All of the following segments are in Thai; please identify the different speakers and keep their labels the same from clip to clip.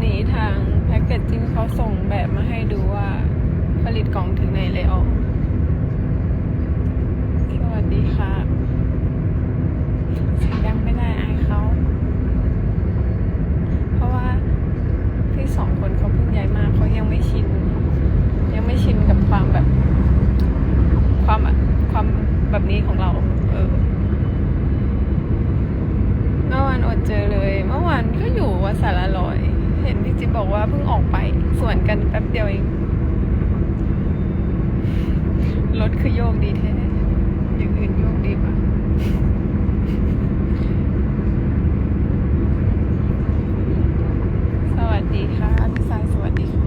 Speaker 1: นี้ทางแพ็กเกจจิ้งเขาส่งแบบมาให้ดูว่าผลิตกล่องถึงไหนแล้วสวัสดีค่ะเสียงดังไม่ได้อายเขาเพราะว่าพี่สองคนเขาเพิ่งย้ายมาเขายังไม่ชินกับความแบบความแบบนี้ของเราเมื่อวานอดเจอเลยเมื่อวานก็อยู่วัดสารลอยเห็นพี่จิ๊บบอกว่าเพิ่งออกไปสวนกันแป๊บเดียวเองรถคือโยกดีแท้อย่างอื่นโยกดีกว่าสวัสดีค่ะพี่สายสวัสดีค่ะ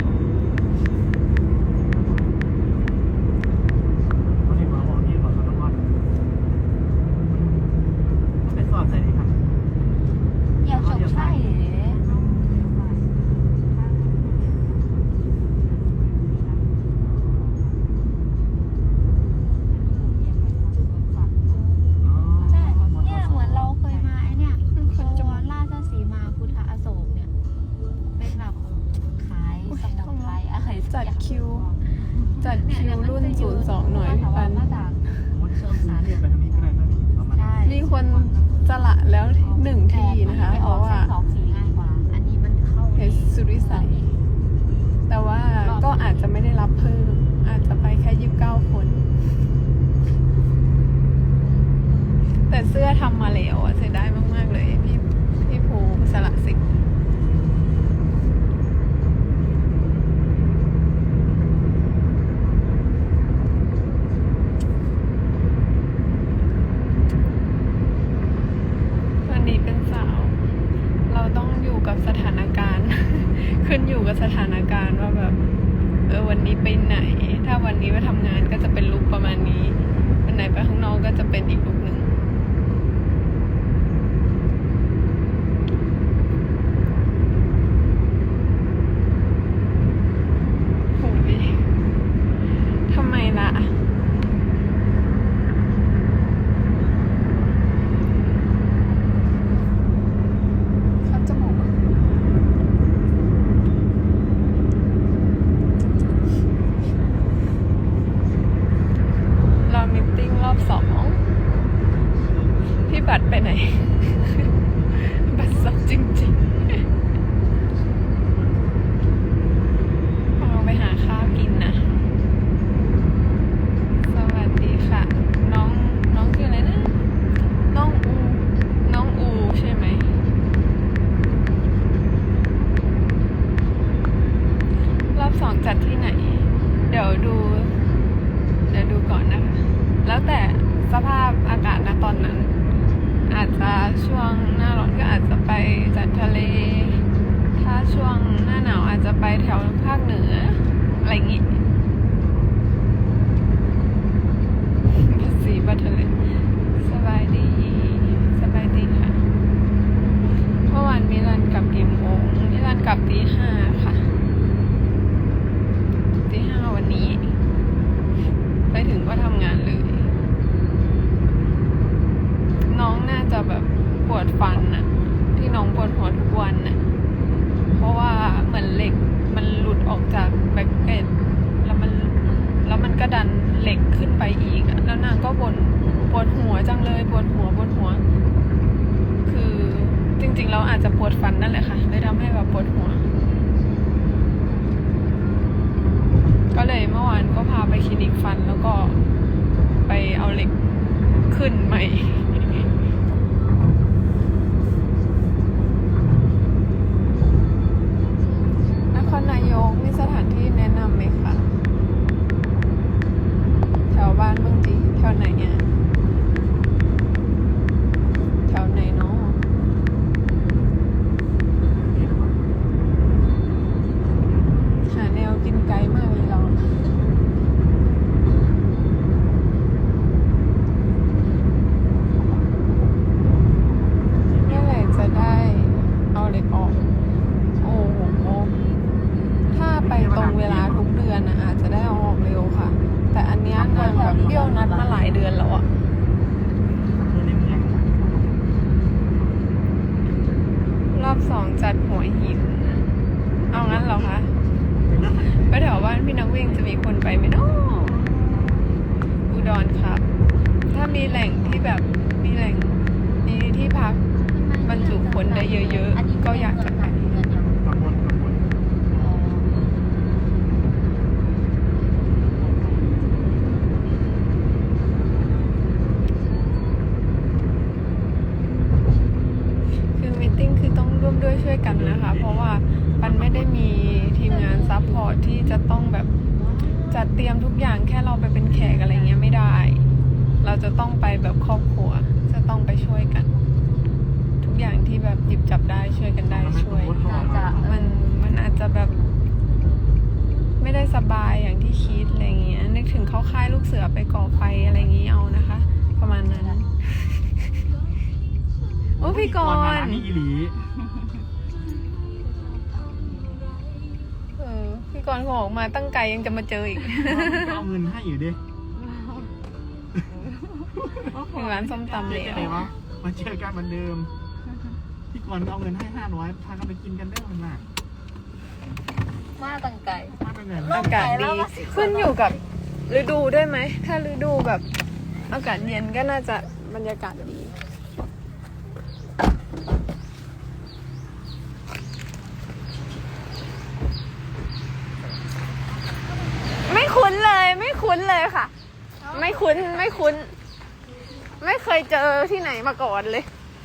Speaker 1: จัดคิวรุ่น02หน่อยพี่ปันมีคนสละแล้ว1ทีนะคะเพราะว่าเพชรสุริสัยแต่ว่าก็อาจจะไม่ได้รับเพิ่มอาจจะไปแค่29คนแต่เสื้อทำมาแล้วเสียดายมากๆเลยพี่ภูสละสิทธิ์สถานการณ์ ขึ้นอยู่กับสถานการณ์ว่าแบบวันนี้ไปไหนถ้าวันนี้ไปทำงานก็จะเป็นลุคประมาณนี้วันไหนไปข้างนอกก็จะเป็นอีกลุคหนึ่งโอ้ยทำไมล่ะรอบ2พี่บัตรไปไหน บัตรสอบจริงๆเราไปหาข้าวกินนะสวัสดีค่ะน้องชื่ออะไรนะน้องอูใช่ไหมรอบ2จัดที่ไหนเดี๋ยวดูก่อนนะคะแล้วแต่สภาพอากาศณตอนนั้นอาจจะช่วงหน้าร้อนก็อาจจะไปจัดทะเลถ้าช่วงหน้าหนาวอาจจะไปแถวภาคเหนืออะไรอย่างงี้บัตรทะเลสบายดีค่ะเมื่อวานมิลันกลับกี่โมงมิลันกลับตี 5ค่ะตี 5วันนี้ไปถึงก็ทำงานเลยน้องน่าจะแบบปวดฟันน่ะที่น้องปวดหัวทุกวันน่ะเพราะว่าเหมือนเหล็กมันหลุดออกจากแบ็คเก็ตแล้วมันก็ดันเหล็กขึ้นไปอีกแล้วนางก็บ่นปวดหัวจังเลยปวดหัวคือจริงๆเราอาจจะปวดฟันนั่นแหละค่ะเลยทำให้แบบปวดหัวก็เลยเมื่อวานก็พาไปคลินิกฟันแล้วก็ไปเอาเหล็กขึ้นใหม่นครนายกมีสถานที่แนะนำไหมคะแถวบ้านบางทีแถวไหนเนี่ยแถวไหนเนาะหาแนวกินไกลมากเลยเราเมื่อไหร่จะได้เอาเหล็กออกโอ้โหถ้าไปตรงเวลาทุกเดือนนะอาจจะได้เอาออกเร็วค่ะแต่อันเนี้ยนางแบบเบี้ยวนัดมาหลายเดือนแล้วอะรอบ2จัดหัวหินเหรอคะไปแถวบ้านพี่นักวิ่งจะมีคนไปไหมเนาะอุดรครับ ถ้ามีแหล่งที่แบบมีแหล่งมีที่พักบรรจุคนได้เยอะๆก็อยากจะไปคือมีตติ้งคือต้องร่วมด้วยช่วยกันนะคะ เพราะว่าปันไม่ได้มีทีมงานซัพพอร์ตที่จะต้องแบบจัดเตรียมทุกอย่างแค่เราไปเป็นแขกอะไรเงี้ยไม่ได้ เราจะต้องไปแบบครอบครัวจะต้องไปช่วยกัน ทุกอย่างที่แบบหยิบจับได้ช่วยกันได้ช่วยมันอาจจะแบบไม่ได้สบายอย่างที่คิดอะไรเงี้ยนึกถึงเข้าค่ายลูกเสือไปก่อไฟอะไรอย่างงี้เอานะคะ ประมาณนั้นโอ้พี่กรณ์
Speaker 2: นี่อีหลี
Speaker 1: พี่กรณ์เขาออกมาตั้งไกลยังจะมาเจออีก
Speaker 2: เอาเงินให้อยู่ดิ
Speaker 1: ถึงร้านส้มตำเลย
Speaker 2: อะไรวะมาเจอกันเหมือนเดิมพี่กรณ์เอาเงินให้500พากันไปกินกันได้มันมาก
Speaker 3: มาตั้งไก่
Speaker 2: มาเป็นเงิน
Speaker 1: อากาศดีขึ้นอยู่กับฤดูด้วยไหมถ้าฤดูแบบอากาศเย็นก็น่าจะบรรยากาศดีไม่คุ้นเลยค่ะ ไม่คุ้นไม่เคยเจอที่ไหนมาก่อนเลย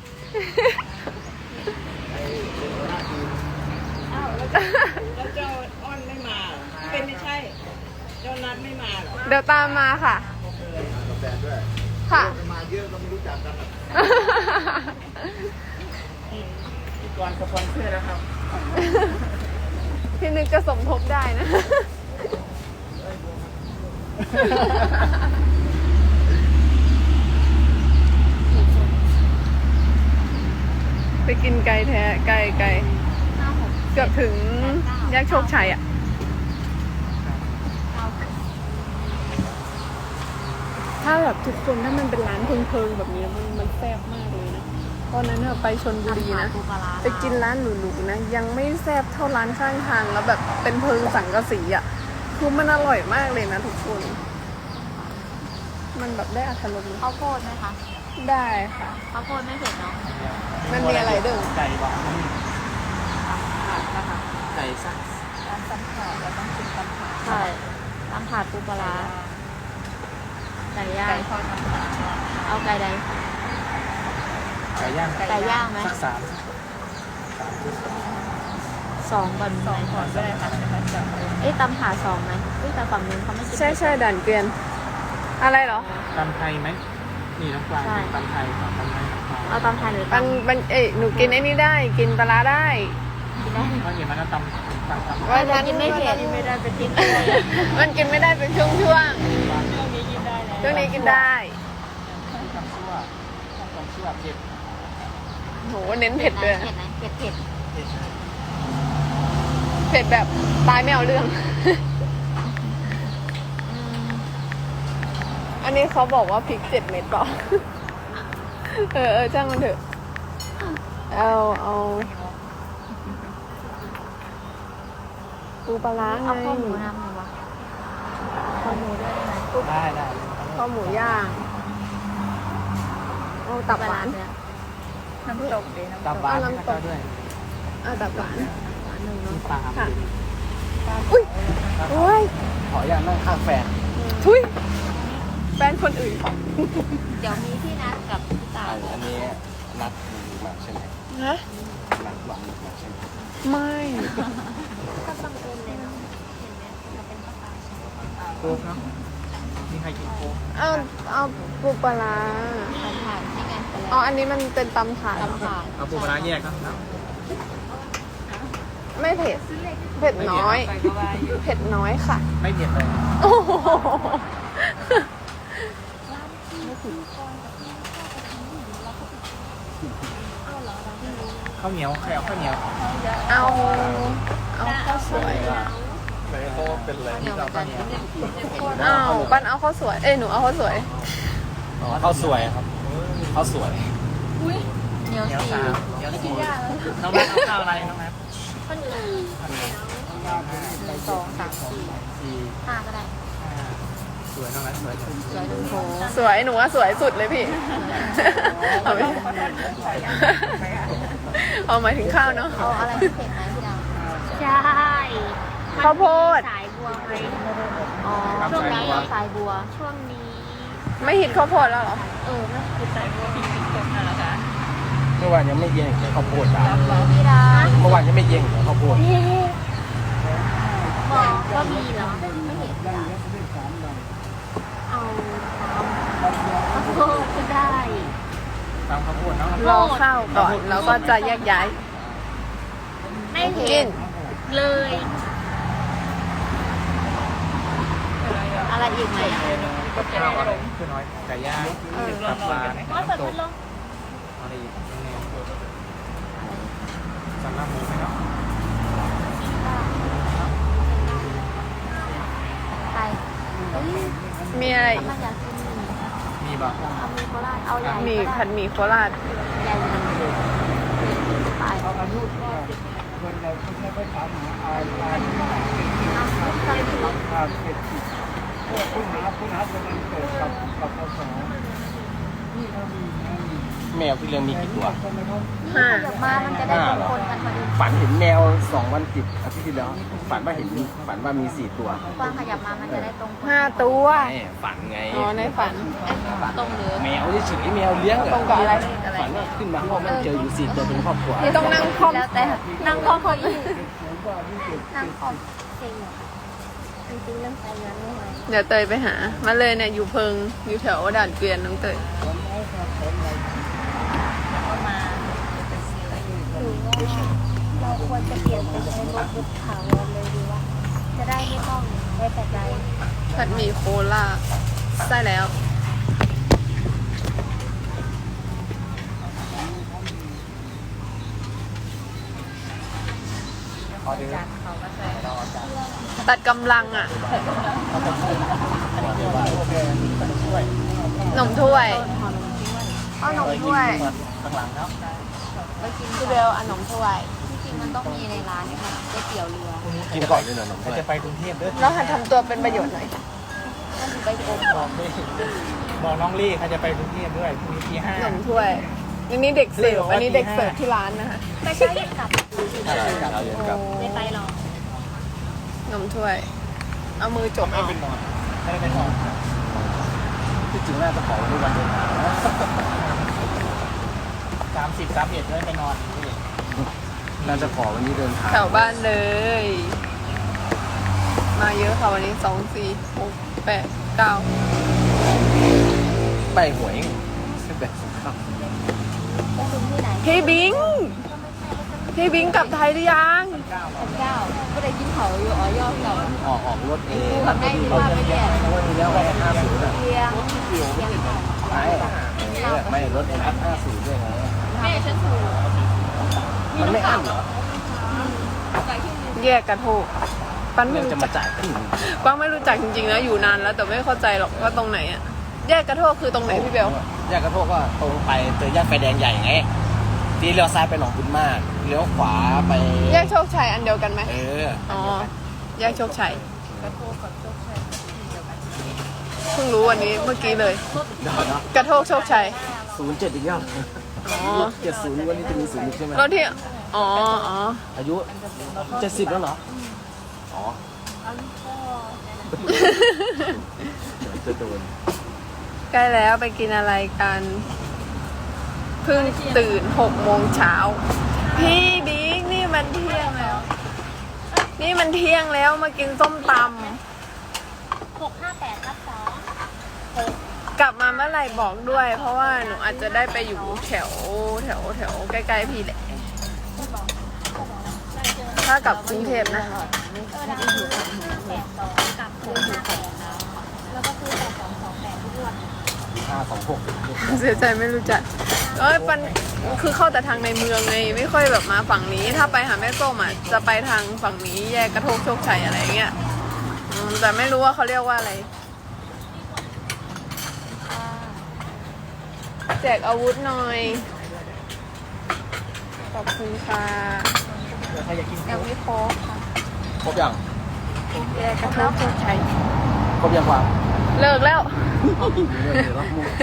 Speaker 4: แล้วเจ้าอ้อนไม่มาเหรอเป็นไม่ใช่ เจ้านัดไม่มาเหรอ
Speaker 1: เดี๋ยวตามมาค่ะค่ะ
Speaker 2: มาเยอะก็ไม่รู้จักกันพี่กรณ์สปอนเซอร์นะครับ
Speaker 1: พี่นึกจะสมทบได้นะ ไปกินไก่แท้ไก่เกือบถึงแยกโชคชัยอ่ะ ถ้าแบบทุกคนถ้ามันเป็นร้านเพิงๆแบบนี้มันแซ่บมากเลยนะตอนนั้นเนี่ยไปชลบุรีนะไปกินร้านหรูๆนะยังไม่แซ่บเท่าร้านข้างทางแล้วแบบเป็นเพิงสังกะสีอ่ะคือมันอร่อยมากเลยนะทุกคนมันแบบได้อรรถรส
Speaker 3: ข้าวโพดไหมคะ
Speaker 1: ได้ค่ะ
Speaker 3: ข้าวโพดไม่เผ็ดเนาะ
Speaker 1: มันมีอะไรดึง
Speaker 2: ไก่บ้างไก่สัก
Speaker 4: การตำข่าวเราต้องกินตำข่าว
Speaker 3: ใช่ตำถาดปูปลาร้าไก่ย่าง
Speaker 4: ไก่ทอดน้ำปลา
Speaker 3: เอาไก่ใด
Speaker 2: ไก่ย่าง
Speaker 3: ไก่ย่างไหม
Speaker 2: สัก3
Speaker 3: 2ก่อน
Speaker 4: สอง
Speaker 3: ไหม
Speaker 4: ก่อนก็ได้ค่ะจะมาจับ
Speaker 3: เอ้ยตำถาด2ไหมเอ้ยแต่ฝั่งนู้นเขาไม่กิน
Speaker 1: ใช่ด่านเกวียนอะไรเหรอ
Speaker 2: ตำไทยไหมนี่น้องกวางตำไทยตำไทย
Speaker 3: เอาตำไทยหรือ
Speaker 1: มัน
Speaker 3: ตำ
Speaker 1: หนูกินไอ้นี่ได้กินปลาร้าได้
Speaker 3: กินได้
Speaker 2: เพราะเห็นมันก็ตำ
Speaker 3: ไม่ได้กินไม่เผ็ดไม่ได้เป็นกินได้
Speaker 1: มันกินไม่ได้เป็นช่วง
Speaker 4: ช่วงนี้กินได้แล้ว
Speaker 1: ช่วงนี้กินได้
Speaker 2: ตำชั่วเผ็ด
Speaker 1: โหเน้นเผ็ดเลย
Speaker 3: เผ็ดไหมเผ็ด
Speaker 2: เผ็ด
Speaker 1: เผ็ดแบบตายไม่เอาเรื่อง อันนี้เขาบอกว่าพริก7 เม็ดเปล่า จ้างมันเถอะ เอาปูปลาร้าไง
Speaker 3: เอาข้าวหมูน้ำหน่อยวะข้าวหมูด้วยได้ไหม
Speaker 2: ได้
Speaker 1: ข้าวหมูย่างเอาตับหวาน
Speaker 4: น้ำตกดีน้ำต
Speaker 2: ตั
Speaker 4: ก
Speaker 2: บหวานก็ด้วย
Speaker 1: ตับหวาน
Speaker 3: หวานหนึ่งเนาะ
Speaker 2: ปลา
Speaker 1: ค่ะอุ้ยโอ้ย
Speaker 2: ขออย่างนั่งข้างแฟน
Speaker 1: ทุยแฟนคนอื่น
Speaker 3: เดี๋ยวมีที่นัดกับพี่ตาย
Speaker 2: อันนี้นัดมาใช่ไหม
Speaker 1: ฮะ
Speaker 2: นัดหวังมาใช่ไหม
Speaker 1: ไม่
Speaker 3: ก็บังเอิญเลยเนาะเห็นไหมเราเป็นป้าตาย
Speaker 2: โค้กครับมีใครกินโค้ก
Speaker 1: เอาปูปลาร้า
Speaker 3: ตำถาดที่ไงไป
Speaker 1: อ๋อ
Speaker 3: แล้ว
Speaker 1: อันนี้มันเป็นตำถาด
Speaker 3: ตำถาด
Speaker 2: เอาปูปลาร้าแยกครับ
Speaker 1: ไม่เผ็ด เผ็ดน้อย
Speaker 4: ไปก็ว่าอยู่
Speaker 1: เผ็ดน้อยค่ะ
Speaker 2: ไม่เผ็ดเลย
Speaker 1: โอ้โห
Speaker 2: ข้าวเหนียวใครเอาข้าวเหนียว
Speaker 1: เอาข้าวสวย
Speaker 2: ไหนเขาเป็นอะไรที่เราข้าวเหนียว
Speaker 1: เอาปั้นเอาข้าวสวย หนูเอาข้าวสวย
Speaker 2: ข้าวสวยครับข้าวสวย
Speaker 3: เหนียว
Speaker 2: เหนียว
Speaker 3: สี
Speaker 2: 3เหนียว4น้องแม่เอาข้าวอะไรน้องแม่
Speaker 3: ข้าวเหนียว
Speaker 2: ข้าวเหนียว
Speaker 3: 2 3 4
Speaker 2: 4
Speaker 3: 5ก็ได้
Speaker 2: 5สวยน้องนั้นสวยจัง
Speaker 3: สวยโถ
Speaker 1: สวยหนูว่าสวยสุดเลยพี่ เอาไปเอาหมายถึงข้าวเนาะ
Speaker 3: เอาอะไรพิเศษไหมพี่ดาวใช่
Speaker 1: ข้าวโพด
Speaker 3: สายบัวไหมอ๋อช่วงนี้สายบัวช่วงนี้
Speaker 1: ไม่ฮิตข้าวโพดแล้วเหรอ
Speaker 3: ไม่คือสายบัวพิเศษตกนั่นแหละคะ
Speaker 2: เมื่อวานยังไม่เย็นข้าวโพดอ่ะ
Speaker 3: พี่ดาว
Speaker 2: เมื่อวานยังไม่เย็นข้าวโพด
Speaker 3: บอกว่ามีเหรอไม่เห็นเอาข้าวโพดก็ได้
Speaker 2: ตามข้าวโพดเนาะ
Speaker 1: รอข้าวก่อนแล้วก็จะแยกย้าย
Speaker 3: ไม่
Speaker 1: กิ
Speaker 3: เห็
Speaker 1: น
Speaker 3: นเลย อะไรอีกไหม
Speaker 2: กับข้าวอะไรคือน้อยไก่ย่างตับปลา
Speaker 3: ว่าเปิด
Speaker 2: ต
Speaker 3: พั
Speaker 2: ก
Speaker 3: ดลม
Speaker 2: อะไรอีกสำหรับหมูไหมเนาะ
Speaker 3: ไปเฮ้ย
Speaker 1: มีอะไร
Speaker 3: ทำไมอยากกินหมี่
Speaker 2: มีบ่
Speaker 3: เอาหมีโคราชเอาใหญ่
Speaker 1: มี
Speaker 3: ก็ได้
Speaker 1: ผัดหมี่โคราช
Speaker 3: ใหญ่มันไป
Speaker 2: เอาอายุคนเราไม่ใช่ไปถามหาอายุอายุ
Speaker 3: เอาใส่ถุง
Speaker 2: อายุคุณหาคนนั้นเกิดกับพศแมวพี่เรื่องมีกี่ตัว
Speaker 3: นี่ขยับมามันจะได้เป็นคนกันพอดี
Speaker 2: ฝันเห็นแมว2 วันติดอาทิตย์ที่แล้วฝันว่ามี4 ตัว
Speaker 3: กว้างขยับมามันจะได้ตรงคน
Speaker 1: 5 ตัว
Speaker 2: ฝันไง
Speaker 1: อ๋อในฝัน
Speaker 3: ตรงหรือ
Speaker 2: แมวเฉยๆแมวเลี้ยง
Speaker 1: ตรงกับอะไร
Speaker 2: ฝันว่าขึ้นมาห้องมันเจออยู่4 ตัวเป็นครอบครัว
Speaker 1: นี่ต้องนั่งคล่อม
Speaker 3: แล้วแต่นั่งคล่อมพอดีนั่งคล่อมเซ็งจริงๆเรื่องไปนั้นไม่ไหว
Speaker 1: เดี๋ยวเตยไปหา มาเลยเนี่ยอยู่เพิงอยู่แถวด่านเกวียนน้องเตย
Speaker 3: เอามาหรือว่าเราควรจะเปลี่ยนเป็นใช้รถบุกถาวรเลยดีว่า จะได้ไม่ต้องไว้แต่ใจ
Speaker 1: ผัดหมี่โคราชใช่แล้ว ตัดกำลังอ่ะหนมถ้วยเอาหนมถ้วย
Speaker 2: ข้างหลังเนาะ
Speaker 3: ไปกิน
Speaker 1: พี่เบลเอาหนมถ้วย
Speaker 3: ที่จริงมันต้องมีในร้านนะคะก๋วยเตี๋ยวเรือ
Speaker 2: กินก่อนเลยเหรอหนุ่มจะไปกรุงเทพด้วย
Speaker 1: แล้วหัดทำตัวเป็นประโยชน์หน่อย
Speaker 3: มันถึงไปกรม
Speaker 2: บอกน้องลี่เขาจะไปกรุงเทพด้วยพรุ่งนี้ที่
Speaker 1: หนมถ้วยอันนี้เด็กเสิร์ฟอันนี้เด็กเสิร์ฟที่ร้านนะคะ
Speaker 3: ไปเช้าเย็นกลับ
Speaker 2: 5เราเรียนกับ
Speaker 3: ไม่ไปหรอก
Speaker 1: หนมถ้วย เอามือจก
Speaker 2: ไม่
Speaker 1: เอา
Speaker 2: เป็นนอนไม่ได้เป็นนอนที่จริงน่าจะขอวันเดินทาง30-31ไม่ไปนอนน่าจะขอวันนี้เดินทาง
Speaker 1: แถวบ้านเลย มาเยอะค่ะวันนี้2 4 6 8 9
Speaker 2: ไปหวยแบบ
Speaker 3: ไปถึงที่ไหน
Speaker 1: พี่บิงพี่บิงกลับไทยหรือยัง
Speaker 3: ก็ได้กินเขาอยู่อ๋อย่อเรา
Speaker 2: ออกรถเอง
Speaker 3: แบบได้ว่าไม่แย่
Speaker 2: วันนี้แล้วไป50อ่ะ
Speaker 3: เพียง
Speaker 2: ไม่รถเองอัพ50ด้วยไง
Speaker 3: แม่ฉันถูก
Speaker 2: มันไม่อั้นเหรอ
Speaker 1: แยกกระโทกปันไม่
Speaker 2: เรื่อง
Speaker 1: รู้
Speaker 2: จะ
Speaker 1: จั
Speaker 2: มาก จ่ายขึ้น
Speaker 1: ปังไม่รู้จักจริงๆนะอยู่นานแล้วแต่ไม่เข้าใจหรอกว่าตรงไหนอะแยกกระโทกคือตรงไหนพี่เบล
Speaker 2: แยกกระโทกก็ตรงไปเจอแยกไฟแดงใหญ่ไงทีเลี้ยวซ้ายไปหนองบุญมากเลี้ยวขวาไป
Speaker 1: แยกโชคชัยอันเดียวกันไหม อ๋อแยกโชคชัยเพิ่งรู้วันนี้เมื่อกี้เลย
Speaker 2: เดี๋ยวนะ
Speaker 1: กระโทกโชคชัย
Speaker 2: 07อีกแล้ว
Speaker 1: อ๋อ
Speaker 2: 70วันนี้จะมี0อีกใช่ไหม
Speaker 1: รถที่อ๋ออ๋อ
Speaker 2: อายุ70แล้วเหรออ๋อจะโดน
Speaker 1: ใกล้แล้วไปกินอะไรกันเพิ่งตื่น6 โมงเช้าพี่บิ๊กนี่มันเที่ยงแล้ว นี่มันเที่ยงแล้วมากินส้มตำ
Speaker 3: 658/2
Speaker 1: กลับมาเมื่อไหร่บอกด้วย เพราะว่าหนูอาจจะได้ไปอยู่แถวใกล้ๆพี่แหละ ถ้ากลับกรุงเทพนะ
Speaker 3: กับแล้วก็คือ8228ทุกวัน
Speaker 2: 526
Speaker 1: เสียใจไม่รู้จักปันคือเข้าแต่ทางในเมืองไงไม่ค่อยแบบมาฝั่งนี้ ถ้าไปหาแม่ส้มอ่ะจะไปทางฝั่งนี้แยกกระโทกโชคชัยอะไรเงี้ยแต่ไม่รู้ว่าเขาเรียกว่าอะไรแจกอาวุธหน่อยขอบคุณค่ะ
Speaker 2: ใครอยากกิน
Speaker 1: ยังไม่ครบค่ะ
Speaker 2: ครบยัง
Speaker 3: แกกระทบโชคชัย
Speaker 2: ครบยังวาง
Speaker 1: เลิกแล้ว
Speaker 2: เดี๋ยวรับมุก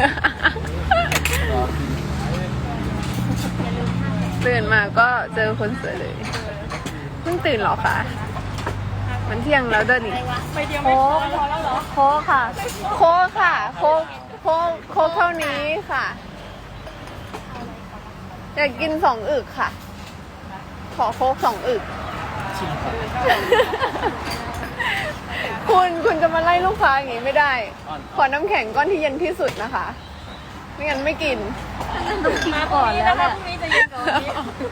Speaker 1: ตื่นมาก็เจอคนสวยเลยเพิ่งตื่นเหรอคะมันเที่ยงแล้วเดินอีก
Speaker 3: โค้กโค้กค่ะ
Speaker 1: โค้กค่ะโค้กเท่านี้ค่ะ อยากกิน2 อึกค่ะ ขอโค้ก2 อึก
Speaker 2: ชิมครับ
Speaker 1: คุณจะมาไล่ลูกค้าอย่างนี้ไม่ได้ ขอน้ำแข็งก้อนที่เย็นที่สุดนะคะ ไม่งั้นไม่กิน
Speaker 3: ต้องชิมก่อนแล้วแหละ
Speaker 4: พรุ่งนี้จะเย็นกว่าวันนี้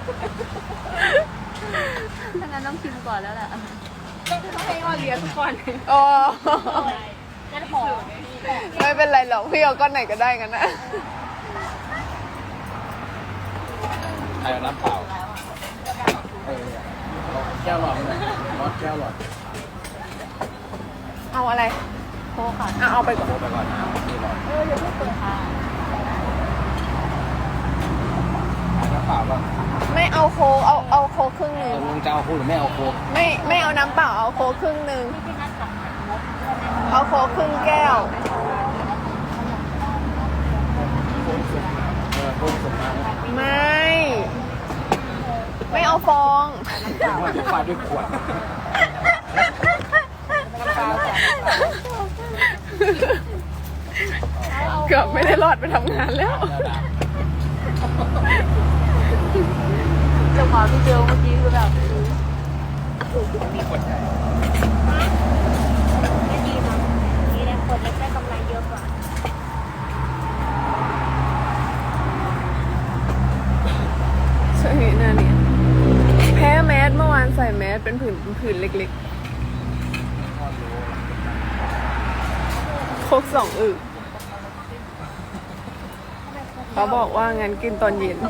Speaker 3: ถ้างั้นต้องชิมก่อนแล้วแหละ
Speaker 4: ต้องให้อ้อเลี้ยงทุกคน
Speaker 1: อ๋อ
Speaker 3: งั้นหอม
Speaker 1: ไม่เป็นไรหรอกพี่เอาก้อนไหนก็ได้กันนะ
Speaker 2: ใครเอาน้ำเปล่าแก้วหลอดเลยรถแก้วหลอด
Speaker 1: เอาอะไร
Speaker 3: โค้กค่ะ
Speaker 1: เอาไปก่อน
Speaker 2: โทรไปก่อนนะนี่หลอด
Speaker 3: อย่าเพิ่งเปิดค่ะ
Speaker 2: น้ำเปล่าป่ะ
Speaker 1: ไม่เอาโค้กเอาโค้กครึ่งหนึ่ง
Speaker 2: ลุงจะเอาโค้กหรือไม่เอาโค้ก
Speaker 1: ไม่เอาน้ำเปล่าเอาโค้กครึ่งหนึ่ง
Speaker 3: พี่นัดกับงบ
Speaker 1: เอาโค้กครึ่งแก้ว
Speaker 2: โค้กส่งมา
Speaker 1: ไม่เอาฟอง
Speaker 2: ว่าฟาดด้วยขวด
Speaker 1: เกือบไม่ได้รอดไปทำงานแล้ว
Speaker 3: จังหวะพี่เจลเมื่อกี้คือแบบ
Speaker 2: มีขวดใหญ่
Speaker 3: ไม่ดีนะนี่แหละคนเล็กได้กำไรเยอะกว่า
Speaker 1: ช่วงนี้หน้าเนี่ยแพ้แมสเมื่อวานใส่แมสเป็นผื่นเล็กๆโคก2 อึกเขาบอกว่างั้นกินตอนเย็น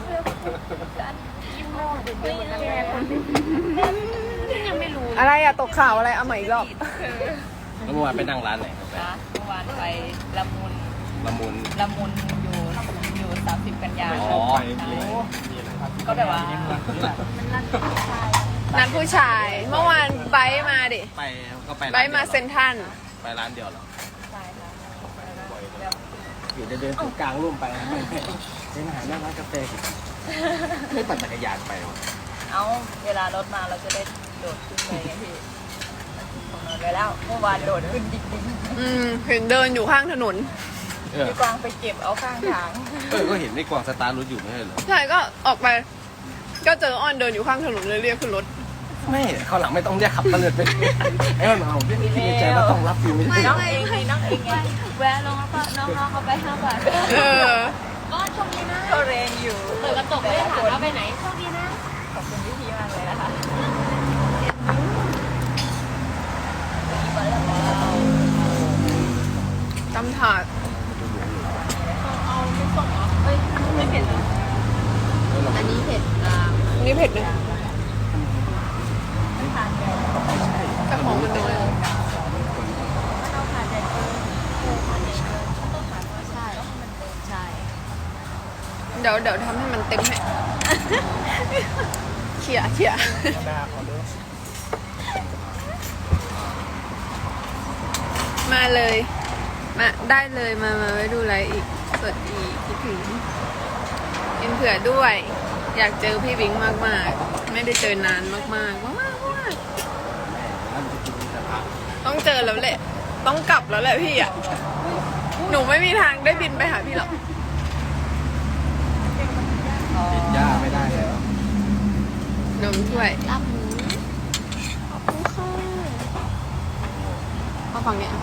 Speaker 3: ยังไม่รู้
Speaker 1: อะไรอะตกข่าวอะไรเอาใหม่อีกรอบ
Speaker 2: แล้วเมื่อวานไปนั่งร้านไหนครับ
Speaker 4: นะเมื่อวานไปละมุน
Speaker 2: ละมุน
Speaker 4: อยู่30 กันยา
Speaker 2: อ๋อ
Speaker 4: ก็แบบว่า
Speaker 1: นัดผู้ชาย เมื่อวานไบร์ทมาดิ
Speaker 2: ไปก็ไป
Speaker 1: ไบร์ทมาเซ็นทรัล
Speaker 2: ไปร้านเดียวเหรอ
Speaker 4: ใช่ค่ะ
Speaker 2: อยู่เดินถึงกลางร่วมไปไม่เดินหาหน้าร้านกาแฟไม่ปั่นจักรยานไปหรอ
Speaker 4: เอาเวลารถมาเราจะได้โดดขึ้นเลยไงพี่ผมนอนไปแล้วเมื่อวานโดดขึ้นดิ๊ก
Speaker 1: เห็นเดินอยู่ข้างถนน
Speaker 4: พี่กวางไปเก็บเอาข้างทาง
Speaker 2: ก็เห็นในกวางสตาร์รถอยู่ไม่ใช่เหรอ
Speaker 1: ใช่ก็ออกไป ก็เจออ้อนเดินอยู่ข้างถนนเลยเรียกขึ้นรถ
Speaker 2: ไม่เขาวหลังไม่ต้องเรียกขับตะเลิดไปไอ้มันเอาพี่คิดในใจว่าต้องรับฟิวไม่ใช่
Speaker 4: น้องเองน้องเองไง
Speaker 3: แวะลงแล้วก็น้องๆเขาไป5 บาท
Speaker 1: เออ
Speaker 3: ก็โชคดีนะ
Speaker 4: ก็แรงอยู่
Speaker 3: เปิดกระจกไม่ได้ถามว่าไปไหนโชคดีนะ
Speaker 4: ขอบคุณพี่มากเลยนะคะ
Speaker 1: ตำถาด
Speaker 3: ไม่เผ็ดอันนี้เผ็ด
Speaker 1: นี่เผ็ดนะแต่ของมันน้อย
Speaker 3: ต้องผ่านใจเกินผ่านใจเกินต้องผ่านว่าใช่ใช่
Speaker 1: เดี๋ยวทำให้มันเต็มให้เขี่ยมาเลยมาได้เลยมาไว้ดูไลฟ์อีกสดอีกคิดถึงกินเผื่อด้วย อยากเจอพี่บิงมากๆ ไม่ได้เจอนานมากต้องเจอแล้วแหละ ต้องกลับแล้วแหละพี่อ่ะหนูไม่มีทางได้บินไปหาพี่หรอก
Speaker 2: ติดย่าไม่ได้แล้ว
Speaker 1: นมถ้วย
Speaker 3: ลาบหมูขอบคุณค่ะ
Speaker 1: เอาฝั่งเนี้ย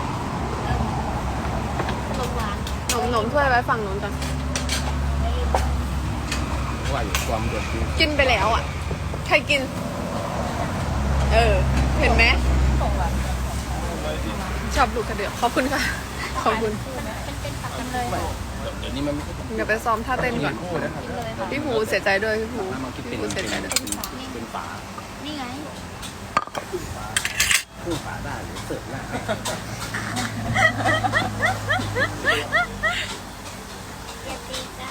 Speaker 3: ขนมหวาน
Speaker 1: นมถ้วยไว้ฝั่งนู้นก่อน
Speaker 2: ว่าอยู่ความเดือดจริง
Speaker 1: กินไปแล้วอ่ะ ใครกิน เออ เห็นไหมชอบดูกระเดือกขอบคุณค่ะ ขอบคุณ
Speaker 3: เป็นตักกันเลย
Speaker 2: เดี๋ยวนี้มันไม่ใช่
Speaker 1: เดี๋ยวไปซ้อมท่าเต้นก่อน
Speaker 2: คู่นะครับ
Speaker 3: เลยค่ะ
Speaker 1: พี่ภูเสียใจด้วยพี่ภู
Speaker 2: มาคิดเป็
Speaker 1: พี่
Speaker 2: น
Speaker 1: ภูเสียใจด้วย
Speaker 2: เป็นฝา
Speaker 3: นี่ไง
Speaker 2: คู่ฝาได้หรือเสิร์ฟหน้า
Speaker 3: อย่าตีจ้า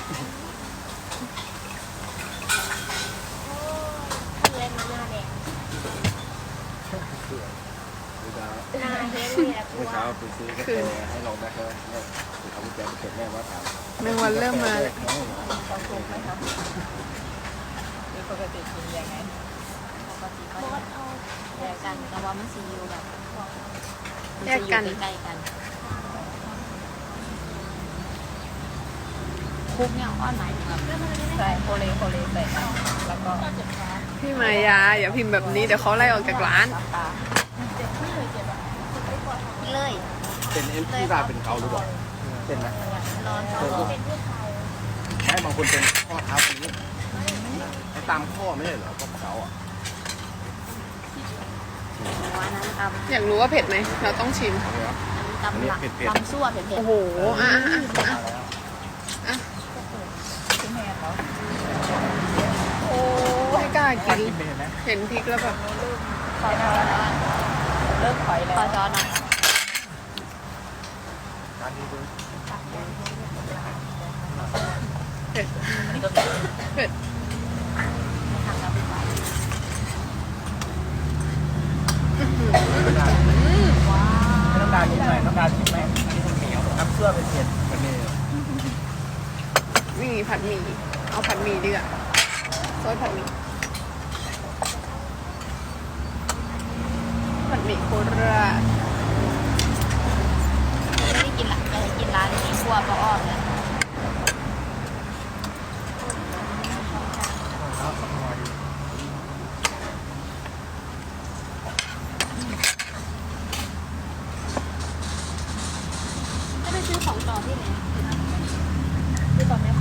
Speaker 3: โอ้ยเลยมาหน้าแดงหน้าเฮดเลยอะกลั
Speaker 2: เมื่อ
Speaker 3: ว
Speaker 2: เช้าไปซื้อกาแฟให้ลองได้แล้วเนี่ยถือเขาไปแจกเก็บแม่ว่าถาม
Speaker 1: แมงวันเริ่มมา
Speaker 4: ต้องทุกไหมคะหรือปกติกินยังไง
Speaker 3: ปกติก็จะแยกกันแต่ว่ามันซีอยู่แบบ
Speaker 1: แยกกัน
Speaker 3: ใกล้ๆกันคุกเนี่ยอ้อนไหนแบบ
Speaker 4: ใส่โคเลใส่กันแล้วก็
Speaker 1: พี่มายาอย่าพิมพ์แบบนี้เดี๋ยวเขาไล่ออกจากร้าน
Speaker 4: น้ำตา
Speaker 3: เลย
Speaker 2: เป็นเอ็นที่ราเป็นเขาหรือเปล่าเป็นไหม
Speaker 3: นอนเขาเป็นผู้ชาย
Speaker 2: ไม่บางคนเป็นข้อเท้าตรงนี้ตามข้อไม่ใช่เหรอข้อเขาอ่ะ
Speaker 3: หัวนั้นตำ
Speaker 1: อยากรู้ว่าเผ็ดไหมเราต้องชิม
Speaker 3: อันนี้ตำหลักตำซั่วเผ็ด
Speaker 1: โอ้โหอ่ะ
Speaker 4: ชิ้นแมนเหรอ
Speaker 1: โอ้ไม่กล้ากิน
Speaker 2: เป็นไหม
Speaker 1: เห็นพริกแล้วแบบ
Speaker 3: ๆขอช้อนแล้ว
Speaker 4: เริ่มถอยแล้ว
Speaker 3: ขอช้อนหน่อย
Speaker 2: การนี้ดู
Speaker 1: เผ็ด
Speaker 4: อันนี้ก็มี
Speaker 1: เผ็ด
Speaker 3: ทำแล้วดีกว่า ว้า
Speaker 2: ไม่ต้องการกินหน่อยต้องการกินไหมอันนี้มันเหนียวน้ำเชื่อเป็นเผ็ดมันนี่
Speaker 1: นี่ผัดหมี่เอาผัดหมี่ดีกว่าซอสผัดหมี่ผัดหมี่โคราช
Speaker 3: ไม่ได้กินละกินร้านนี้ครัวปลาอ้อมเลยจะไปซื้อของต่อที่ไหน
Speaker 4: ที่ตอนแม่